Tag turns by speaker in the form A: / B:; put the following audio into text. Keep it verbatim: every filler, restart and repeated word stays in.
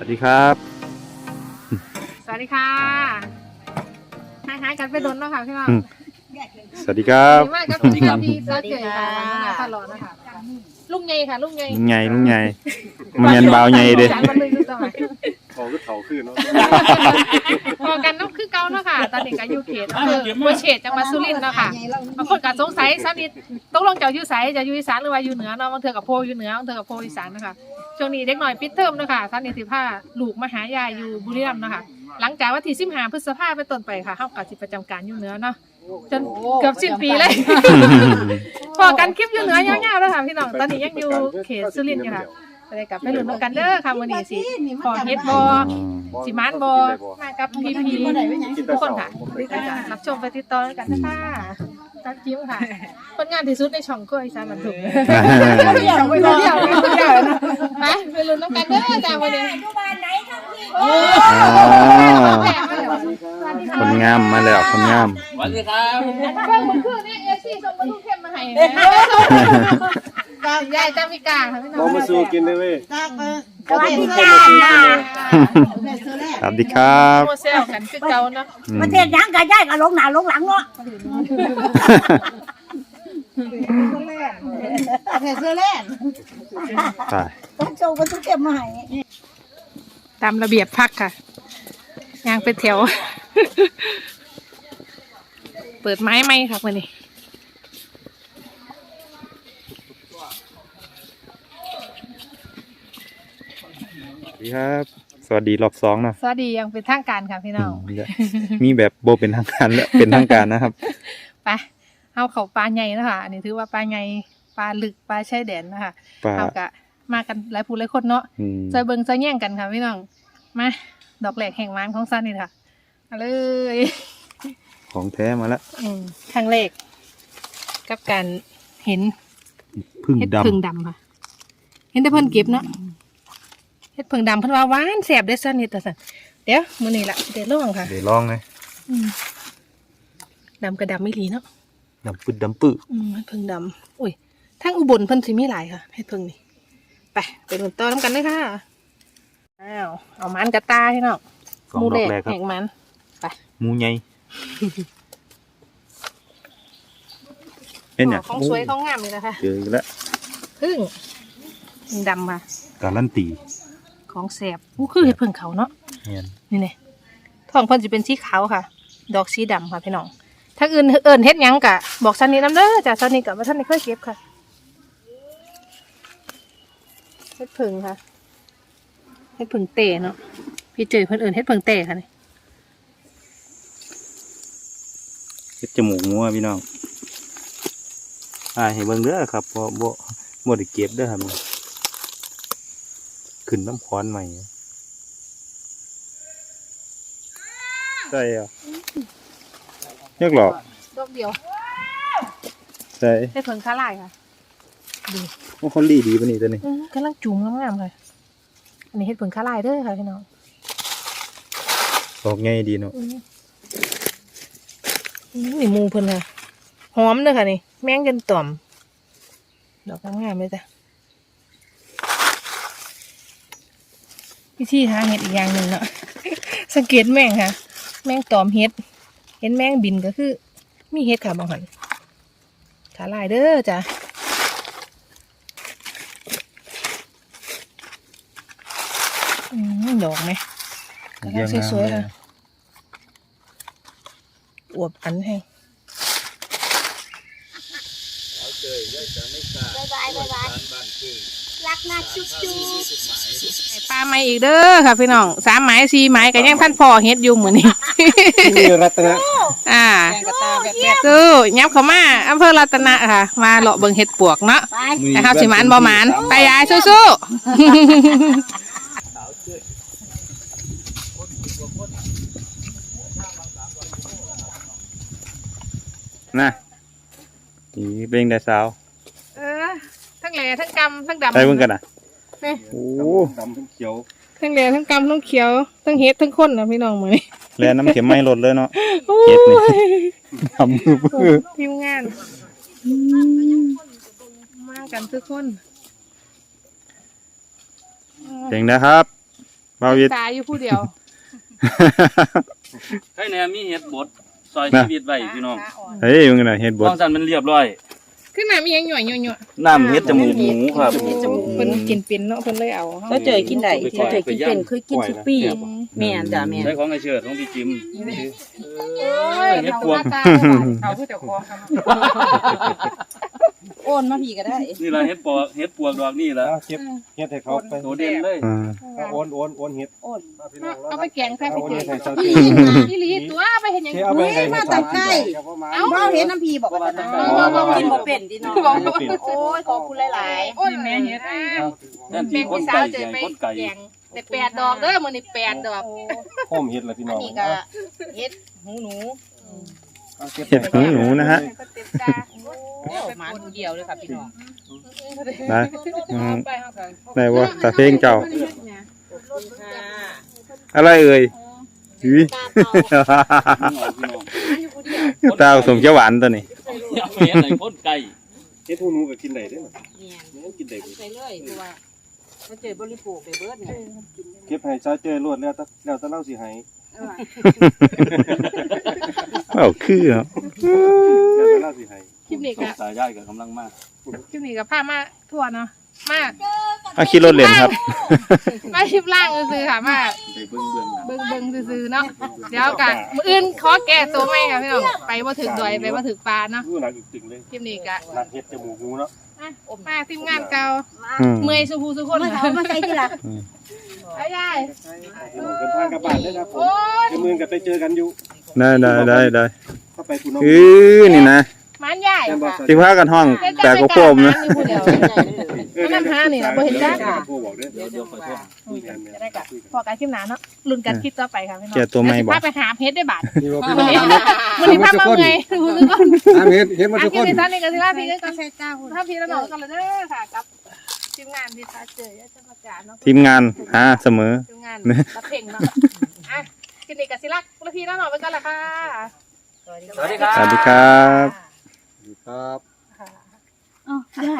A: วัสดีครับ
B: สวัสดีค่ะหายหายกันไปโดนแล้วค่ะพี่น้อง
A: สวัสดีครับ
B: สวัสดีมากครับพี่ครับพี่สวัสดีค่ะมาตลอดนะคะลุงไงค่ะลุงไง
A: ลุงไงลุงไงมันเงินเบาไงเด้
B: มันเลยรู้ตัวไหม
C: เขาก็เขาขึ้นเนาะ
B: พอกันต้องคือเก่าเนาะค่ะตอนนี้ก็อยู่เขตอำเภอบัวเฉดจังหวัดสุรินทร์เนาะค่ะบางคนก็สงสัยสักนิดต้องลงจากอยู่ไสจะอยู่อีสานหรือว่าอยู่เหนือเนาะบางเทื่อกับโพอยู่เหนือบางเทื่อกับโพอีสานนะคะช่วงนี้เด็กหน่อยปิดเทอมเนาะค่ะท่านนี่สิพาลูกมาหายายอยู่บุรีรัมย์เนาะค่ะหลังจากวันที่สิบห้าพฤษภาคมเป็นต้นไปค่ะเฮาก็สิประจำการอยู่เหนือเนาะจนเกือบสิ้นปีเลยพอกันคลิปอยู่เหนือยาวๆแล้วค่ะพี่น้องตอนนี้ยังอยู่เขตสุรินทร์อยู่ค่ะไปกับไปลุ้นกันเด้อค่ะมื้อนี้สิพอเฮ็ดบ่สิมานบ่มากับพี่ๆทุกคนค่ะรับชมไปติดต่อกันนะคะตัดจิ้มค่ะผลงานที่สุดในช่องก็อีสานบันเทิงเที่ยวไปเที่ยวไปเที่ยวไปไปลุ้นกันเด้อจ้ามื้อนี้
A: คนงามมาแล้วคนงาม
C: สวัสดีครับ
B: เบิ่งมื้อคืนนี่เอซี่ส่งมาลูกเข้มมาให้ยายจามิกาค่ะพี่น้อง
C: เรามาสู้กินได้เว้ย
D: สวัสดีจ้า
A: สวัสดีครับ
B: โมเซลกันคือเก่าเนาะ
D: ประเทศยังกะย่ายก็ลงหน้าลงหลังเนาะประเทศเซอร์แลนด์
A: ตาย
D: ต้องโชว์กันทุกเก็บมาให้
B: ตามระเบียบพักค่ะยางเป็นแถวเปิดไม้ไหมค่ะวันนี้
A: สวัสดีครับสวัสดีรอบสองเนาะ
B: สวัสดียังเป็นทางการค่ะพี่น้อง
A: มีแบบโบเป็นทางการและเป็นทางการนะครับ
B: ไปเอาเขาปลาใหญ่นะคะอันนี้ถือว่าปลาใหญ่ปลาลึกปลาชายแดนนะคะเอากะมากันหลายผู้หลายคนเนาะใจเบิงใจแย่งกันค่ะพี่น้องมาดอกแหลกแห่งม้านของซันนี่ค่ะมาเลย
A: ของแท้มาแล้ว
B: ครั้งแรกกับการเห็น
A: พึ่งดำ
B: พึ่งดำค่ะเห็นแต่เพิ่นเก็บเนาะเห็ดพึ่งดำเพิ่นว่าหวานแสบได้ซันนี่แต่สันเดี๋ยวมื้อนี้ละเดี๋ยวลองค่ะ
A: เดี๋ยวลองเลย
B: ดำกระดำไม่หลีเนาะ
A: ดำปื้ดดำปื้ด
B: อืมเห็ดพึ่งดำอุ้ยทั้งอุบลเพิ่นสิมีหลายค่ะเห็ดพึ่งนี่ไปไปลุ้นต่อน้ำกันเลยค่ะอ้าวเอามันกระตาให้เนาะมูเล็กแห่งมันไป
A: มูใหญ่เห็นเนี่ย
B: ของสวยของงามเลยนะคะ
A: เจออีกแล้ว
B: พึ่งพึ่งดำค่ะ
A: การันตี
B: ของแสบอู้คือเห็ดพึ่งเขาเนาะนี่เนี่ยท้องเพิ่นจะเป็นสีขาวค่ะดอกสีดำค่ะพี่น้องถ้าอื่นเอิญเฮ็ดยังกะบอกซันนี่น้ำเด้อจ้ะซันนี่กะว่าท่านไม่เคยเก็บค่ะเฮ็ดพึ่งค่ะเฮ็ดพึ่งเตะเนาะพี่เจอเพิ่นเอิญเฮ็ดพึ่งเตะค่ะนี่
A: เฮ็ดจมูกงัวพี่น้องอ่าให้เบิ่งเด้อครับเพราะบ่บ่ได้เก็บเด้อครับขึ้นน้ำขอนใหม่ใช่อ่ะเรียกหรอก
B: ดอกเดียว
A: ใช่
B: เฮ็ดพึ่งคาลายค่ะดู
A: โอ้คนดีดีป่ะนี่ตัวนี้
B: กำลังจุ่มงามๆเลยอันนี้เฮ็ดพึ่งคาลายเด้อค่ะพี่น้อง
A: ดอกไงดีเนาะ
B: นี่มูเพิ่นค่ะหอมเด้อค่ะนี่แมงจนต่อมดอกงามๆเลยจ้ะวิธีหาเห็ดอีกอย่างหนึ่งเนาะสังเกตแมงค่ะแมงตอมเห็ดเห็นแมงบินก็คือมีเห็ดค่ะบางหันขาลายเด้อจ้ะอืมดอกไหมกระถางสวยๆค่ะอวบอันให้
D: บายบายบายบายรักนะจุ๊บจุ๊บ
B: ปลาไม้อีกเด้อค่ะพี่น้องสามไม้สี่ไม้กันยังท่านพ่อเฮ็ดอยู่เหมือนนี้
C: นี่รัตนะ
B: อ่าสู้ยับเข้ามาอำเภอรัตนะค่ะมาเลาะเบิ่งเห็ดปวกเนาะนะครับสิหมานบ่หมานไปยายสู้
A: ๆนะนี่เป็นได้สาว
B: เออทั้งแหล่ทั้งกำทั้งดำ
A: ไปเบิ่งกันอ่ะ
B: นี่
A: โอ้
C: ดำทั้งเขียว
B: ทั้งแหล่ทั้งกำทั้งเขียวทั้งเฮ็ดทั้งข้นนะพี่น้องมื้อนี้
A: แล่น้ำเข็มไม่ลดเลยเนาะเฮ็ดนี่ทำมือเพื่อ
B: ทีมงานมากันทุกคน
A: เจ๋งนะครับบาวิท
B: ตายอยู่ผู้เดียว
E: ให้แนมมีเฮ็ดบดซอยชีวิตไว้พี่น้อง
A: เฮ้ยมึงน่ะเฮ็ดบด
E: บางสันมันเรียบร้อย
B: ขึ้นมามีหยังหน่อยหน่อยหน่อย
E: น้ำเฮ็ดจมูกหมูครับ
B: เพิ่นกินเป็นเนาะเพิ่นเลยเอา
F: เขาเจอกินได้เขาเจอกินเป็นคือกินทุกปีแม่นจ้ะแม่น
E: ใช้ของไอเชิดของพี่จิม
B: โอ้ย
E: เฮ็ดพวก
B: เอาผู้เจ้าของครับ
F: โอนมาพี่ก็ได้
E: นี่ล่ะเฮ็ดปอกเฮ็ดปวกดอกนี่ล่ะ
C: เอาเก็บเฮ็ดให้เขาไป
E: โตเด่นเลย
A: อ่า
C: เอาโอนโอนโอนเฮ็ด
F: โอน
C: เอาพี่น้องแล้ว
B: เอาไปแกงใส่ไป
C: เอา
B: เจ
C: เฮ็
B: อ
C: ดให้เจ้า
F: พี่
C: ที่
F: นะ
B: พี่ลีตัวไปเห็นหยัง
C: เที่เอาไปให้
F: มาแต่ใกล้
B: เอ้า
F: เมาเห็นน้ำพีบอกว่าจะกินบ่เป็นดิน้องโอ้ยขอบคุณหลาย
B: โอ้ยแม่เฮ็ด
E: นั่น
B: แบ่
E: ที่
B: ง
E: คน
B: พี่สา
E: ไก่
B: วเจอ
E: ใหญ่
B: ไป
E: คนไก่
B: แกงแต่แปดดอกเด้อมื้อนี้แปดดอก
C: โฮมเฮ็ดล่ะพี่
F: ๆ
C: น้
F: อั
C: อน ง
F: นี้ก็เฮ็ดหูหนู
C: เอาเก็บ
A: เฮ็ดหูหนูนะฮะ
B: ก็เต็มตา
F: โอ้หมาหูเดียวเลยค่ะพี่น้อง
A: ได้อืมได้บ่ตาเพลงเจ้า อะไรเอ่ยอุ้ย ตาผสมเขียวหวานตัวนี้
E: เอาไปเฮ็ดให้คนไก่
C: เฮ็ดหูหนูก็กินได้เด้อ
F: เนี่ย
C: เนี่ยกินได้
F: ใส่เลยเพราะว่าเขาเจอบริโภคไปเบิดเนี่ย
C: เก็บให้เจ้าเจอรวดแล้วแต่แล้วแต่เราสิให้
A: เอ้าคือเหรอ
C: แล้วแต่เราสิให้
B: คลิปนี้
E: ส
B: ก็
E: งสายย่ายกับกำลังมาก
B: คลิปนี้ก็พามาทั่วเนาะมา
A: เอาขี่รถเล่นครับ
B: มาคลิปล่างซื่อๆค่ะมา
E: ไปเบิ่งเบื้องหลัง
B: เบิ่งเบิ่งซื่อๆเนาะเดี๋ยวกันมื้ออื่นขอแก้ตัวใหม่ค่ะพี่น้องไปบ่ถึงดอยไปบ่ถึงปลาเนาะ
C: รู้หนักตึงๆเลย
B: คลิปนี้ก็
C: นักเฮ็ดจมูกหูเนาะ
B: อ่ะมาทีมงานเก่า
A: อืม
B: เมื่อยสุภูสุคน
F: มา
B: ค่ะ
F: เอามาใส่ทีละ
B: ไอ้ยาย
C: เดินทางกลับบ้านเด้อครับผม
B: โอ้ย
C: เดี๋ยวมื้อกันไปเจอกันอยู่
A: ได้ได้ได้ได้
C: ถ้าไปคุณน้อง
A: อือนี่นะ
B: มันยายค่ะ
A: ที่พากันห้องแต่ก็โคมนะ
B: ผู้เดียวมันนำหานี่ล่ะบ่เห็นจ้า
C: โทรบอกเด้อ
E: เดี๋ยวเดี๋ยวขอโทษ
C: คุยกันเนี่ย
B: จะได้กับพอกันคลิปหน้าเนาะลุ้นกันคลิปต่อไปค่ะพี่น้อง
A: แก้ตัวใหม่บ่
B: พาไปหาเพชรได้บาท
C: นี่ว่าพี่
B: มื้
C: น้
B: อ
C: อง
B: นี้มื้อนี้พามาไงผู้สุคน
C: อ่ะเฮ็ดเฮ็ดมา
B: อ่ะ
C: ทุก
B: คลิ
C: ค
B: ป
C: น
B: นี้ซั่นนี่ก็สิว่าพี่ก็
F: ใส่เจ้าคุณ
B: ถ้าพี่แล้วน้องกันเลยเด้อค่ะกับทีมงานที่พาเจอจะประกาศเนาะ
A: ทีมงานหาเสมอ
B: ทีมงานรับเพลงเนาะอ่ะคลิปนี้ก็สิรักแล้วพี่แล้วน้องไปกันละค่ะ
E: สวัสดีครับ
A: สวัสดีครับ
C: ครับ
B: ค่ะ